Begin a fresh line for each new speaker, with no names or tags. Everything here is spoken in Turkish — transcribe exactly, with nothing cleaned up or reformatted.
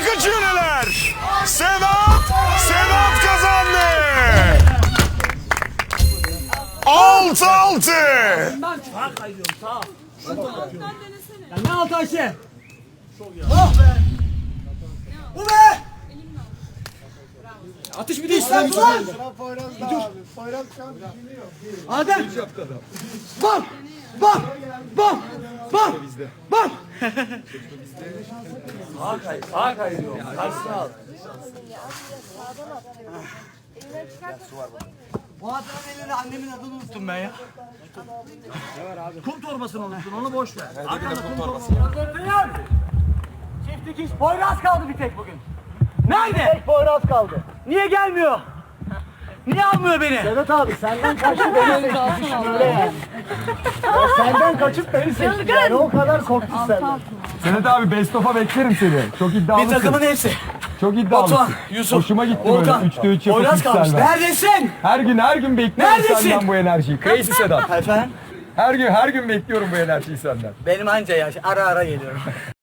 kaçıyor neler? Sedat, Sedat kazandı. Altı altı.
Ben sağa kayıyorum sağa. Ya ne altı Ayşe? Oh be. Bu be. Atış bir de işlem. Adem. Bak. Bak. Bak. Bak. Bak. Sağa kay. Sağa kayıyor. Karşısına al. Bu adamın elinde annemin adını unuttum ben ya. Kum torbasını unuttun, onu boş ver. Arkanda kum torbası. Çift dikiş, Poyraz kaldı bir tek bugün. Nerede? Tek Poyraz kaldı. Niye gelmiyor? Niye almıyor beni? Sedat abi senden kaçıp beni seçti şöyle yani. Senden kaçıp beni seçti yani o kadar korktu senden.
Sedat abi best of'a beklerim seni. Çok iddialısın.
Bir takımın hepsi.
Çok iddialısın.
Batuhan, Yusuf,
Hoşuma gitti
Volkan,
böyle üçte üç yapıp
Poyraz kalmış.
yükselmen.
Neredesin?
Her gün her gün bekliyorum
Neredesin?
senden bu enerjiyi. Crazy Sedat.
Efendim?
Her gün her gün bekliyorum bu enerjiyi senden.
Benim anca ya ara ara geliyorum.